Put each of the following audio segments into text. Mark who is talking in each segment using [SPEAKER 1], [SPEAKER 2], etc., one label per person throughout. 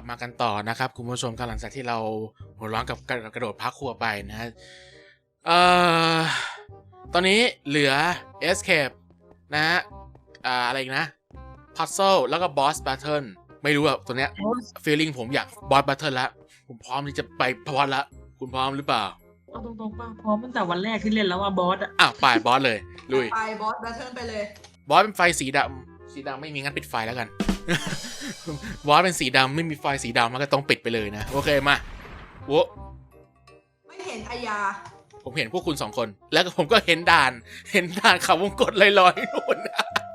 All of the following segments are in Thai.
[SPEAKER 1] มากันต่อนะครับคุณผู้ชมกันหลังจากที่เราหัวร้อนกับกระโดดพักครัวไปนะตอนนี้เหลือ Escape นะฮะอะไรอีกนะ Puzzle แล้วก็ Boss Battle ไม่รู้อะตัวเนี้ย feeling ผมอยาก Boss Battle แล้วผมพร้อมที่จะไปพอดละคุณพร้อมหรือเปล่า
[SPEAKER 2] เอาตรงๆป่ะพร้อมตั้งแต่วันแรกที่เล่นแล้วว่าบอสอะ
[SPEAKER 1] ไปบอสเลยลุย
[SPEAKER 3] ไปบอสแบทเทิลไปเลย
[SPEAKER 1] บอสเป็นไฟสีดำไม่มีงั้นปิดไฟแล้วกัน บอสเป็นสีดำไม่มีไฟสีดำมันก็ต้องปิดไปเลยนะโอเคมาโว้
[SPEAKER 3] ไม่เห็นอายา
[SPEAKER 1] ผมเห็นพวกคุณ2 คนแล้วผมก็เห็นด่านเขาวงกตลอยๆนู่น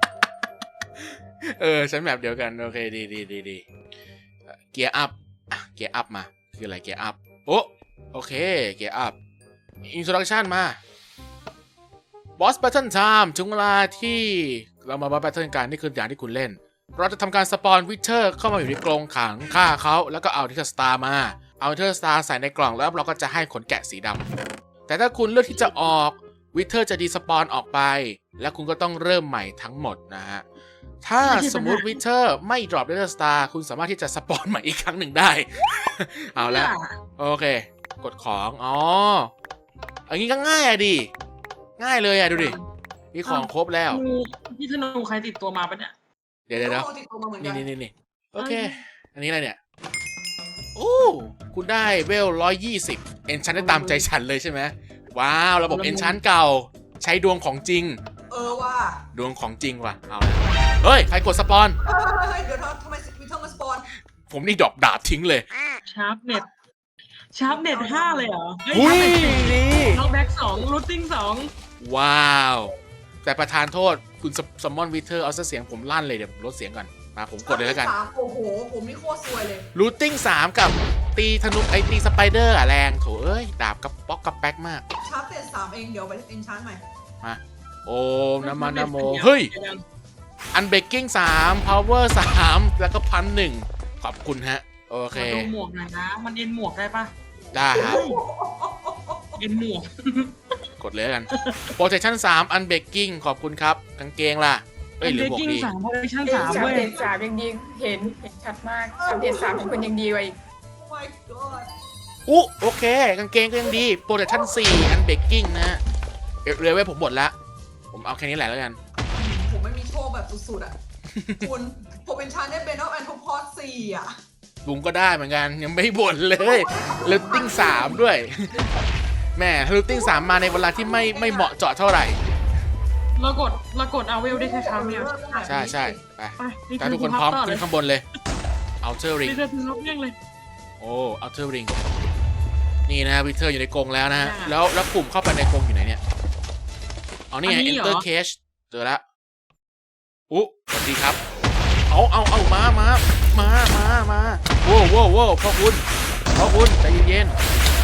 [SPEAKER 1] ฉันแบบเดียวกันโอเคดีเกียร์อัพเกียร์อัพมาคืออะไรเกียร์อัพโอเคเกียร์อัพอินโทรดักชันมาบอสแบทเทิลไทม์ถึงเวลาที่เรามาบอสแบทเทิลกันนี่คืออย่างที่คุณเล่นเราจะทำการสปอนวิเทอร์เข้ามาอยู่ในกรงขังฆ่าเขาแล้วก็เอาทิเทอร์สตาร์มาเอาทิเทอร์สตาร์ใส่ในกล่องแล้วเราก็จะให้ขนแกะสีดำแต่ถ้าคุณเลือกที่จะออกวิเทอร์จะดีสปอนออกไปแล้วคุณก็ต้องเริ่มใหม่ทั้งหมดนะฮะถ้าสมมุติวิเทอร์ไม่ดรอปทิเทอร์สตาร์คุณสามารถที่จะสปอนใหม่อีกครั้งหนึ่งได้ เอาละโอเคกดของอันนี้ก็ง่ายอะดิง่ายเลยอะดูดิมีของครบแล้ว
[SPEAKER 2] พี่ธนูใครติดตัวมาปะเนี่ย
[SPEAKER 1] เดี๋ยวนี่โอเคอันนี้อะไรเนี่ยโอ้คุณได้เวล120เอนชันได้ตามใจฉันเลยใช่ไหมว้าวระบบเอนชันเก่าใช้ดวงของจริง
[SPEAKER 3] ว่า
[SPEAKER 1] ดวงของจริงว่ะเอาเฮ้ยใครกดสปอน
[SPEAKER 3] เดี๋ยวทำไมวิเทอร์มาสปอน
[SPEAKER 1] ผมนี่ดรอปดาบทิ้งเลย
[SPEAKER 2] ชาร์ปเน็ต5เลยเหรอ
[SPEAKER 1] อุ้ยดี
[SPEAKER 2] น็อกแบ็ก2รูทติ้ง2
[SPEAKER 1] ว้าวแต่ประธานโทษคุณซัมมอนวิเทอร์เอาเสียงผมลั่นเลยเดี๋ยวผมลดเสียงก่อนมาผมกดเลยแล้วกัน
[SPEAKER 3] โอ้โหผมนี่โคตรซวยเลย
[SPEAKER 1] รูทติ้ง3กับตีธนูตีสไปเดอร์แรงโถเอ้ยดาบกับป๊อกกับแป๊กมาก
[SPEAKER 3] ชาร์ปเน็ต3เองเดี๋ยวไปเอนชาร์ตใหม่
[SPEAKER 1] มาโอ้น้ำมันน้ำโมเฮ้ยอันเบกกิ้ง3 power 3แล้วก็1,000ขอบคุณฮะโอเค
[SPEAKER 2] ดูหมวกหน่อยนะมันเอ็นหมวกได้ปะ
[SPEAKER 1] ได้ครับ
[SPEAKER 2] เอ็นหมวก
[SPEAKER 1] กดเลยกัน protection 3 unbreaking ขอบคุณครับกางเกงล่ะ
[SPEAKER 2] เหลือหมวกดี3 protection 3ด้วย
[SPEAKER 4] 3ยังดีเห็นชัดมาก3ของคุณยังดีกว่าอีก
[SPEAKER 1] โอเคกางเกงก็ยังดี protection 4 unbreaking นะเร็วผมหมดละผมเอาแค่นี้แหละแล้วกัน
[SPEAKER 3] ผมไม่มีโชคแบบสุดๆอ่ะคุณผมเป็นชาเนตเบนอลแอนโทพอส4อ่ะ
[SPEAKER 1] ลุงก็ได้เหมือนกันยังไม่บ่นเลยลูตติ้ง3ด้วยแม่ลูตติ้ง3มาในเวลาที่ไม่เหมาะเจาะเท่าไหร่
[SPEAKER 2] เรากดเอาเวลได้แค่ครั้งเดียว
[SPEAKER 1] ใช่ไปแต่ทุกคนพร้อมขึ้นข้างบนเลยเอาเทอร์ริงโอ้เอาเทอร์ริงนี่นะวิเทอร์อยู่ในกรงแล้วนะแล้วปุ่มเข้าไปในกรงอยู่ไหนเนี่ยอ๋อนี่ไง enter cage เจอแล้วสวัสดีครับเอามาโว้พ่อคุณใจเย็น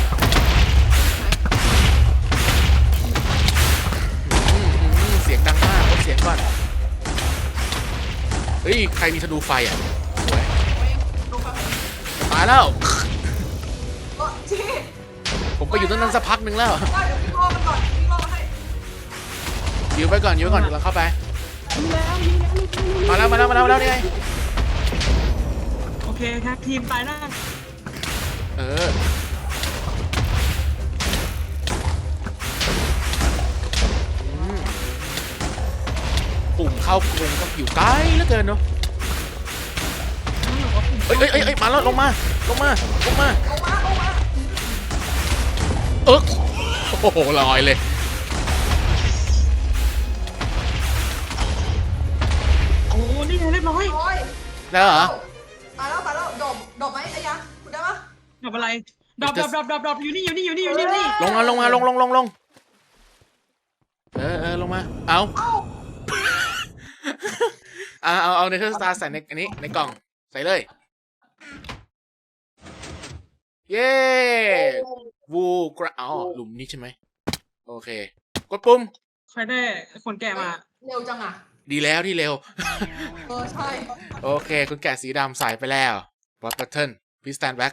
[SPEAKER 1] เสียงดังมากลดเสียงก่อนเฮ้ยใครมีธนูไฟอ่ะสวยตายแล้วผมไปอยู่ตรงนั้นสักพักหนึ่งแล้วยิวไปก่อนเราเข้าไปมาแล้วนี่ไง
[SPEAKER 2] โอเคครับทีมตายหน้า
[SPEAKER 1] ปุ่มเข้ากรงต้องอยู่ไกลเหลือเกินเนาะเอ้ยมาแล้วลงมาโอ้โหลอยเลย
[SPEAKER 2] โอ้นี่ไงเรียบร้อย
[SPEAKER 1] แล้วเหรอ
[SPEAKER 3] ตายแล้วดอกไหมอายะคุณได้ปะ
[SPEAKER 2] ดอกอะไรดอกอยู่นี่
[SPEAKER 1] ลงมาลงมาลงลงมาเอาเนเธอร์สตาร์ใส่ในอันนี้ในกล่องใส่เลยเย้วูกระหลุมนี้ใช่ไหมโอเคกดปุ่ม
[SPEAKER 2] ใครได้คนแก่มา
[SPEAKER 3] เร็วจังอ่ะ
[SPEAKER 1] ดีแล้วที่เร็ว
[SPEAKER 3] ใช่
[SPEAKER 1] โอเคคุณแกะสีดำใส่ไปแล้วบอสแพทเทิร์นพิสตันแบ็ค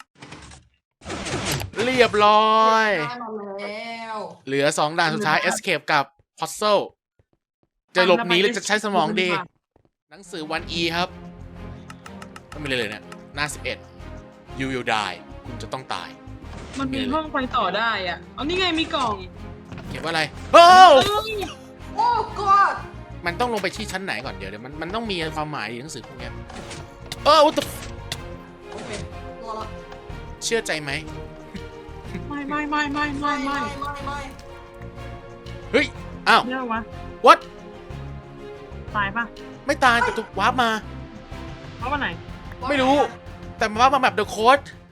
[SPEAKER 1] เรียบร้อยเหลือ2ด่านสุดท้าย Escape กับ Puzzle จะหลบหนีหรือจะใช้สมองดีหนังสือ1E ครับไม่มีเลยเนี่ยหน้า 11 you will die คุณจะต้องตาย
[SPEAKER 2] มันมีห้องไปต่อได้อ่ะเอานี่ไงมีกล่อง
[SPEAKER 1] เขียนว่าอะไรโอ้
[SPEAKER 2] เอ้ย
[SPEAKER 3] โอ้ god
[SPEAKER 1] มันต้องลงไปที่ชั้นไหนก่อนเดี๋ยวมันต้องมีความหมายในหนังสือพวกเนี้ยwhat the
[SPEAKER 3] โอเครอละ
[SPEAKER 1] เชื่อใจไหม
[SPEAKER 2] ไม่
[SPEAKER 3] ไม่
[SPEAKER 1] เฮ้ย อ้าว
[SPEAKER 2] เรียกวะ
[SPEAKER 1] what
[SPEAKER 2] ตายปะ
[SPEAKER 1] ไม่ตายแต่ถูกวาร์ปมา
[SPEAKER 2] เพราะว่าไหน
[SPEAKER 1] ไม่รู้ แต่มาว่ามาแบบ The Code